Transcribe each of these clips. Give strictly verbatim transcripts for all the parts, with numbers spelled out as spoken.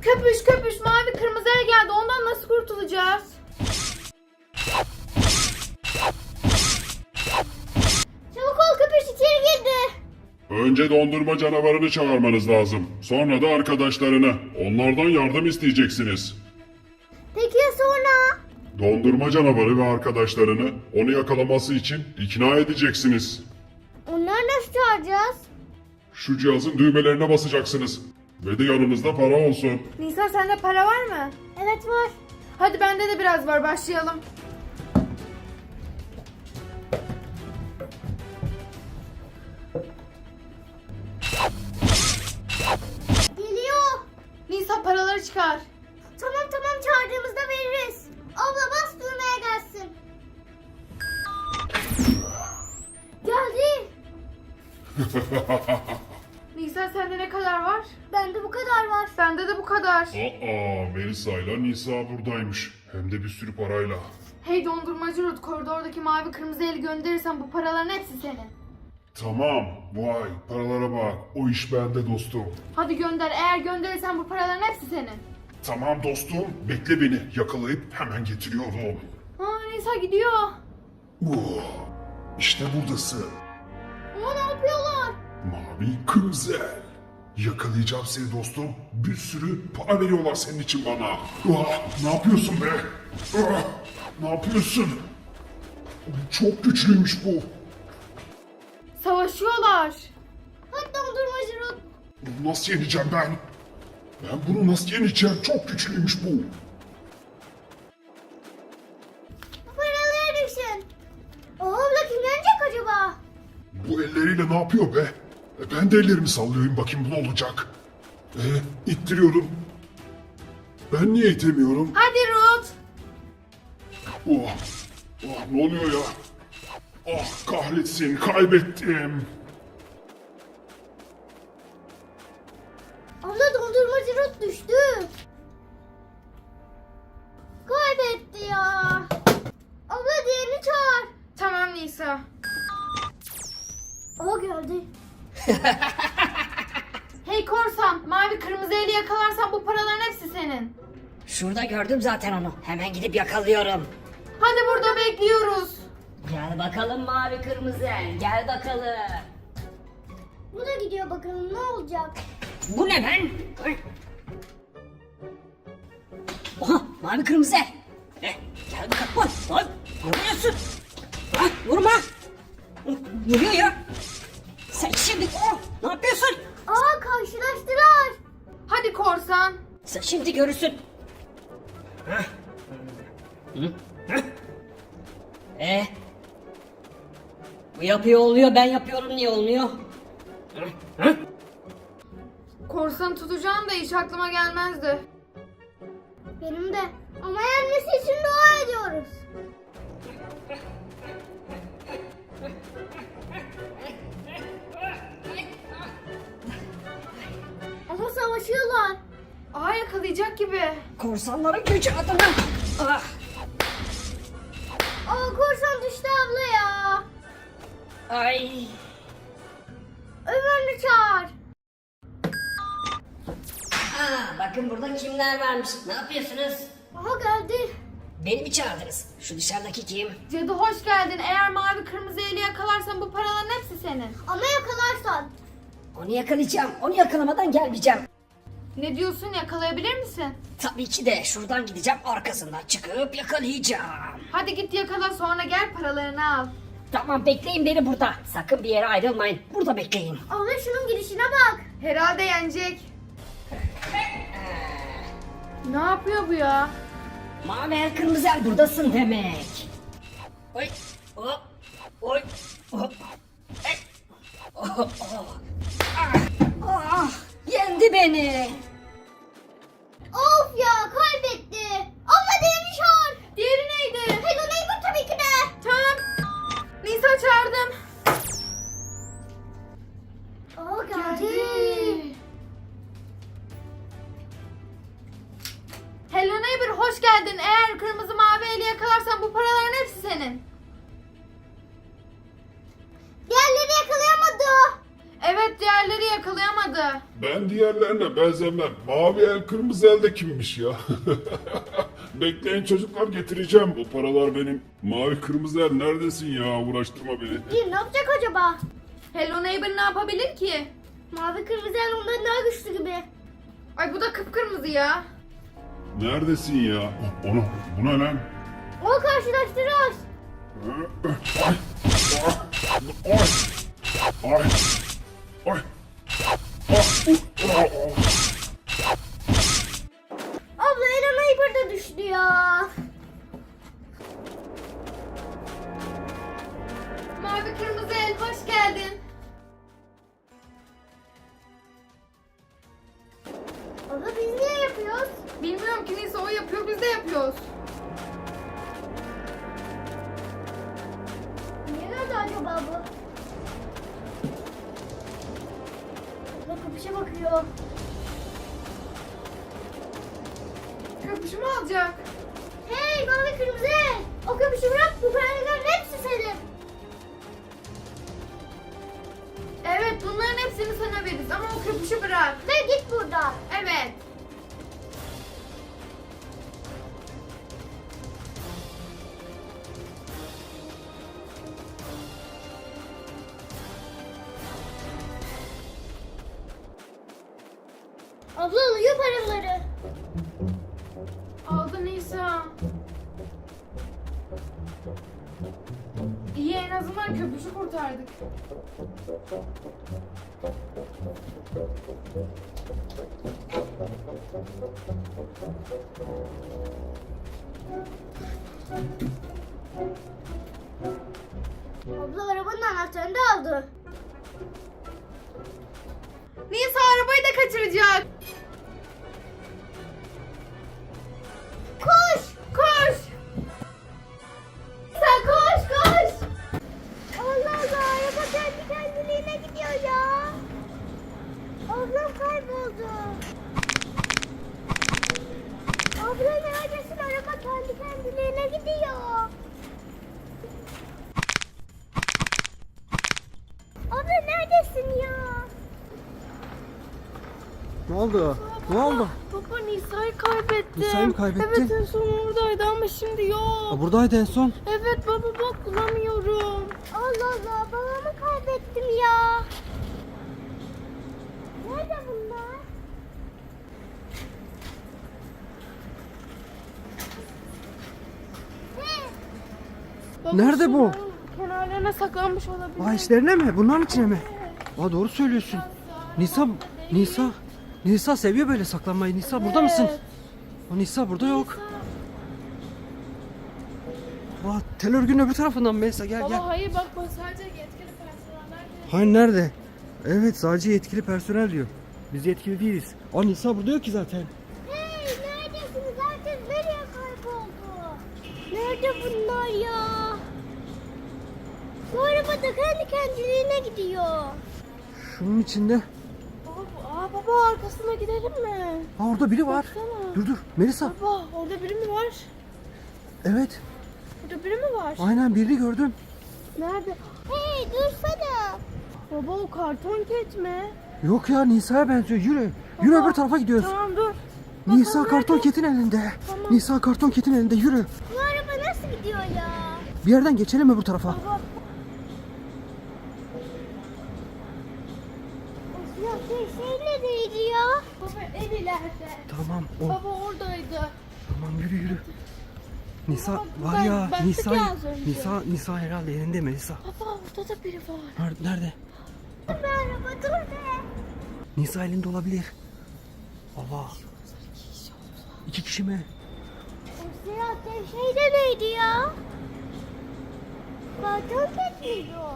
Köpüş köpüş mavi kırmızıya geldi. Ondan nasıl kurtulacağız? Çabuk ol, köpüş içeri girdi. Önce dondurma canavarını çağırmanız lazım. Sonra da arkadaşlarını. Onlardan yardım isteyeceksiniz. Peki ya sonra? Dondurma canavarı ve arkadaşlarını onu yakalaması için ikna edeceksiniz. Onları nasıl çağıracağız? Şu cihazın düğmelerine basacaksınız. Ve de yanınızda para olsun. Nisa sende para var mı? Evet var. Hadi bende de biraz var, başlayalım. Geliyor. Nisa paraları çıkar. Tamam tamam, çağırdığımızda veririz. Abla bas düğmeye gelsin. Geldi. Nisa sende ne kadar var? Bende bu kadar var. Bende de bu kadar. Aa, Melisa ile Nisa buradaymış. Hem de bir sürü parayla. Hey dondurmacı Ruth, koridordaki mavi kırmızı eli gönderirsen bu paraların hepsi senin. Tamam, vay paralara bak. O iş bende dostum. Hadi gönder, eğer gönderirsen bu paraların hepsi senin. Tamam dostum, bekle beni. Yakalayıp hemen getiriyorum. Aa, Nisa gidiyor. Uh, işte buradasın. Ama ne yapıyorlar? Mavi kırmızı el. Yakalayacağım seni dostum. Bir sürü para veriyorlar senin için bana. Ah, ne yapıyorsun be? Ah, ne yapıyorsun? Çok güçlüymüş bu. Savaşıyorlar. Hadi dondurmacı Ruth. Bunu nasıl yeneceğim ben? Ben bunu nasıl yeneceğim? Çok güçlüymüş bu. Bu paraları düşün. O abla kim yenecek acaba? Bu elleriyle ne yapıyor be? E, ben de ellerimi sallıyorum, bakayım bu ne olacak? E, ittiriyorum. Ben niye itemiyorum? Hadi Ruth. Oh, oh, ne oluyor ya? Ah kahretsin, kaybettim. Abla dondurmacı Ruth düştü. Kaybetti ya. Abla diğerini çağır. Tamam Nisa. O geldi. Hey korsan, mavi kırmızı eli yakalarsan bu paraların hepsi senin. Şurada gördüm zaten onu. Hemen gidip yakalıyorum. Hadi burada bekliyoruz. Gel bakalım mavi kırmızı. Gel bakalım. Bu da gidiyor, bakalım ne olacak. Bu ne ben? Ay. Oha mavi kırmızı. Eh, gel bakalım. Oy, oy. Ne vuruyorsun? Ah, vurma. Vuruyor ya. Sen şimdi oh, ne yapıyorsun? Aa, karşılaştılar. Hadi korsan. Sen şimdi görürsün. Hah. Hı? Hah. Eh. Bu yapıyor oluyor, ben yapıyorum niye olmuyor? Hı? Hı? Korsanı tutacağım da hiç aklıma gelmezdi. Benim de. Ama yenmesi için dua ediyoruz. Ama savaşıyorlar. Aa, yakalayacak gibi. Korsanların gücü adına. Ah. Aa, korsan düştü abla ya. Ay. Ömer'i çağır. Aa, bakın burada kimler varmış. Ne yapıyorsunuz? Aha geldi. Beni mi çağırdınız? Şu dışarıdaki kim? Cadı hoş geldin. Eğer mavi kırmızı eli yakalarsan bu paraların hepsi senin. Ama yakalarsan. Onu yakalayacağım. Onu yakalamadan gelmeyeceğim. Ne diyorsun, yakalayabilir misin? Tabii ki de şuradan gideceğim, arkasından çıkıp yakalayacağım. Hadi git yakala, sonra gel paralarını al. Tamam, bekleyin beni burada. Sakın bir yere ayrılmayın. Burada bekleyin. Abla şunun girişine bak. Herhalde yenecek. Ne yapıyor bu ya? Mavi el kırmızı el buradasın demek. Oy. Hop. Oy. Hop. Ey. Oh, oh. Ah, ah, yendi beni. Of ya, kaybetti. Abla diğerini çağır. Diğeri neydi? Hello Neighbor tabii ki de. Tamam. Nisa çağırdım. Aa, geldi. Hello neighbor, hoş geldin. Eğer kırmızı mavi eli yakalarsan bu paraların hepsi senin. Diğerleri yakalayamadı. Evet, diğerleri yakalayamadı. amca. Ben diğerlerine benzemem. Mavi el kırmızı el de kimmiş ya? Bekleyin çocuklar, getireceğim. Bu paralar benim. Mavi kırmızı el neredesin ya? Uğraştırma beni. Kim ne yapacak acaba? Hello Neighbor ne yapabilir ki? Mavi kırmızı el ondan daha güçlü gibi. Ay bu da kıpkırmızı ya. Neredesin ya? Onu, bu ne lan? O karşılaştırıyoruz. Ay! Ay! Ay! Ay! Ay! Abla Ela Neighbor da düştü ya. Mavi kırmızı el hoş geldin. Abla biz niye yapıyoruz? Bilmiyorum ki neyse o yapıyor biz de yapıyoruz. Niye nerede acaba bu? Abla kapışa bakıyor. Köpüşü mü alacak? Hey mavi kırmızı el. O kapışı bırak, bu paraların hepsi senin. Evet bunların hepsini sana veririz ama o köpüşü bırak. Ve git buradan. Evet. Abla alıyor paraları. Aldı Nisa. İyi en azından köpüşü kurtardık. Abla arabanın anahtarını da aldı. Nisa arabayı da kaçıracak. Koş! Koş. Sen koş koş! Allah Allah, araba kendi kendiliğine gidiyor ya. Ablam kayboldu. Abla neredesin? Araba kendi kendiliğine gidiyor. Abla neredesin ya? Ne oldu? Ne oldu? Baba Nisa'yı kaybettim. Nisa'yı mı kaybettin? Evet en son oradaydı ama şimdi yok. Aa, buradaydı en son. Evet baba bak bulamıyorum. Allah Allah, babamı kaybettim ya. Nerede bunlar? He, Baba, Nerede bu? şunların Kenarlarına saklanmış olabilir. Aa, içlerine mi? Bunların içine mi? Aa, doğru söylüyorsun. Nisa, Nisa, Nisa seviyor böyle saklanmayı. Nisa burada mısın? Aa, Nisa burada yok. Aa, tel örgünün öbür tarafından Melisa gel Baba gel. hayır bak bu sadece yetkili personeller geliyor. Hayır nerede? Evet sadece yetkili personel diyor. Biz yetkili değiliz. Aa, Nisa burada yok ki zaten. hey neredesiniz? Herkes nereye kayboldu? Nerede bunlar ya? Bu araba da kendi kendiliğine gidiyor. Şunun içinde. Baba, aa, baba arkasına gidelim mi? Aa, orada biri var. Baksana. Dur dur Melisa. Baba orada biri mi var? Evet Burada biri mi var? aynen birini gördüm. Nerede? Hey dursana. Baba o karton ket mi? Yok ya Nisa'ya benziyor. Yürü. Yürü Baba, öbür tarafa gidiyoruz. Tamam dur. Nisa Bakalım karton nerede? ketin elinde. Tamam. Nisa karton ketin elinde yürü. Bu araba nasıl gidiyor ya? Bir yerden geçelim öbür tarafa. Baba. O siyah şey neredeydi ya? Baba en ileride. Tamam o. Baba oradaydı. Tamam yürü yürü. Nisa Baba, var ya ben- baktık Nisa ya az önce. Nisa Nisa herhalde elinde mi Nisa? Baba orada da biri var. Nerede? Nerede? Bu araba dur be. Nisa elinde olabilir. Allah. İki kişi mi? O siyah şey de neydi ya? Karton ket miydi o?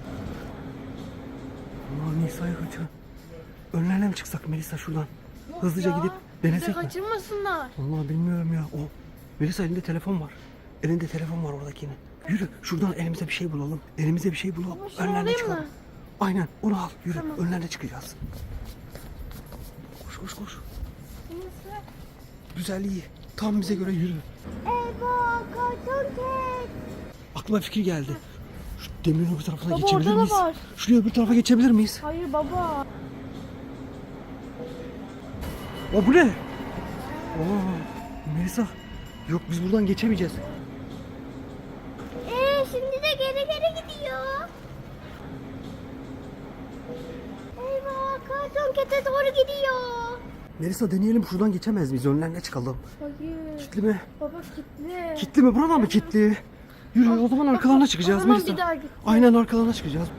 Allah Nisa'yı kaçır. Önlerine mi çıksak Melisa şuradan? Hızlıca Ya, gidip bizi denesek mi? kaçırmasınlar. Allah bilmiyorum ya. O Melisa elinde telefon var. Elinde telefon var oradakinin. Yürü şuradan elimize bir şey bulalım. Elimize bir şey bulalım. Baba, şunu Önlerine alayım çıkalım. mı? Aynen onu al. Yürü Tamam. önlerine çıkacağız. Koş koş koş. Güzel iyi. Tam bize göre yürü. Eyvah karton ket. Aklıma fikir geldi. Şu demirin öbür tarafına Baba, geçebilir orada da miyiz? var. Şuraya öbür tarafa geçebilir miyiz? Hayır baba. O bu ne? Oo, Melisa. Yok biz buradan geçemeyeceğiz. Ee, şimdi de geri geri gidiyor. Eyvah, karton kete doğru gidiyor. Melisa deneyelim şuradan geçemez miyiz? Önlerine çıkalım. Hayır. Kitli mi? Baba kilitli. Kitli mi? Buradan mı kitli? Yürü o zaman arkalarına çıkacağız o zaman Melisa. bir daha git. Aynen arkalarına çıkacağız.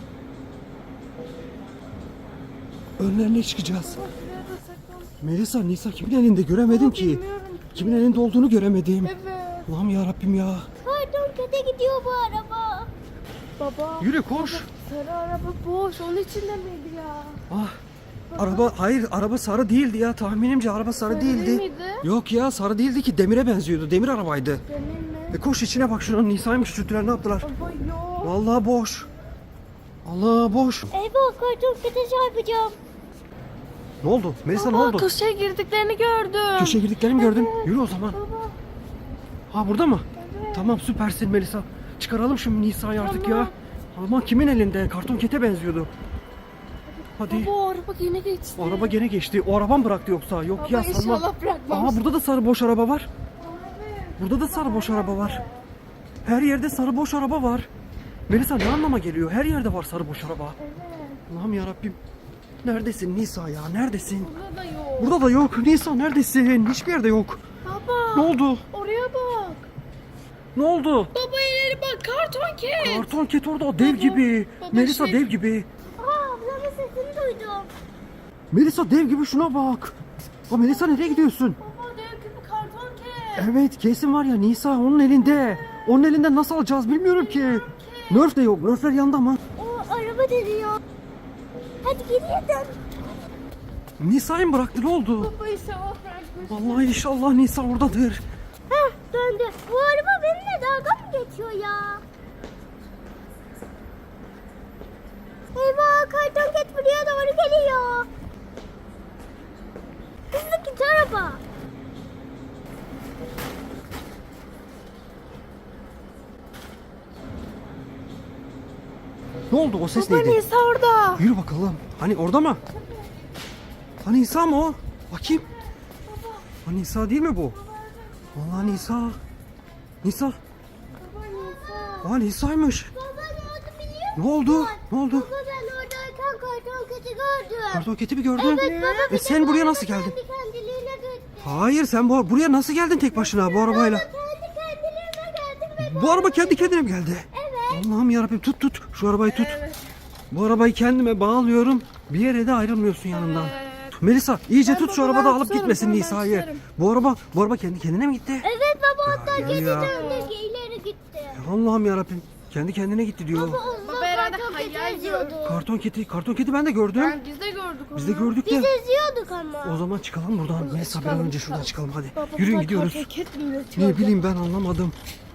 Önlerine çıkacağız. Şuraya da saklan. Melisa, Nisa kimin elinde göremedim ki. Bilmiyorum. Kimin elinde olduğunu göremedim. Evet. Allah'ım ya Rabbim ya. Karton kete gidiyor bu araba. Baba. Yürü koş. Sarı araba boş. Onun içinde miydi ya? Ah. Araba hayır araba sarı değildi ya tahminimce araba sarı Sarı değildi. değil miydi? Yok ya sarı değildi ki demire benziyordu. Demir arabaydı. Benim mi? E koş içine bak şuranın Nisa'ymış sütüler ne yaptılar? Baba yok. Vallahi boş. Allah boş. Eyvah, karton kete çarpacağım. Ne oldu? Melisa ne Baba oldu? köşeye girdiklerini gördüm. Köşeye girdiklerini mi gördün? Yürü o zaman. Baba. Ha burada mı? Tamam süpersin Melisa. Çıkaralım şu Nisa'yı artık Tamam. ya. Ama kimin elinde? Karton kete benziyordu. Hadi. Baba o araba yine geçti. O araba gene geçti. O araba mı bıraktı yoksa? Yok Baba ya sanmam. inşallah bırakmamış. Aha burada da sarı boş araba var. Burada da sarı boş araba var. Her yerde sarı boş araba var. Melisa ne anlama geliyor? Her yerde var sarı boş araba. Allah'ım ya Rabbim. Neredesin Nisa ya? Neredesin? Burada da yok. Burada da yok. Nisa neredesin? Hiçbir yerde yok. Baba. Ne oldu? Oraya bak. Ne oldu? Baba ileri bak karton ket. Karton ket orada o dev Baba, gibi. baba Melisa şey- dev gibi. Aa, ablamın sesini duydum. Melisa dev gibi şuna bak. O Melisa nereye gidiyorsun? Baba dev gibi karton ket. Evet kesin var ya Nisa onun elinde. Onun elinden nasıl alacağız bilmiyorum ki. Nerf de yok. Nerfler yanında mı? O araba dönüyor. Hadi geriye dön. Nisa'yı mı bıraktı ne oldu? Baba inşallah bırakmış. Vallahi inşallah Nisa oradadır. Heh, döndü. Bu araba benimle dalga mı geçiyor ya? Eyvah, karton ket buraya doğru geliyor. Hızlı git araba. Ne oldu o ses Baba neydi? Nisa orada. Yürü bakalım. Hani orada mı? Hani Nisa mı o? Bakayım. Hani Nisa değil mi bu? Vallahi Nisa. Nisa. Baba Nisa. Aa Nisa'ymış. Baba ne oldu biliyor musun? Ne oldu? Ne oldu? Baba ben oradayken karton keti gördüm. Kartoketi mi gördün? Evet baba. bir E de sen bu buraya araba nasıl geldin? Kendi kendiliğine gitti. Hayır sen bu, buraya nasıl geldin tek başına bu arabayla? Kendi kendiliğine geldim ve Bu araba kendi kendine mi geldi? Evet. Allah'ım yarabbim tut tut. Şu arabayı tut. Bu arabayı kendime bağlıyorum. Bir yere de ayrılmıyorsun yanımdan. Melisa iyice Ben tut şu baba, arabada ben alıp tutarım, gitmesin tamam, ben Nisa'yı. tutarım. Bu araba bu araba kendi kendine mi gitti? Evet baba, hatta Ya, geri ya. döndü, ileri gitti. Allah'ım yarabbim. Kendi kendine gitti diyor. Baba onunla Baba herhalde karton keti hayal eziyordu. Karton keti, karton keti ben de gördüm. Ben, biz de gördük onu. Biz de gördük Biz de. eziyorduk ama. O zaman çıkalım buradan. Melisa bir an çıkalım, önce şuradan çıkalım. çıkalım hadi. Baba, Yürüyün bunlar gidiyoruz. karton ket mi üretiyor Ne bileyim ben anlamadım.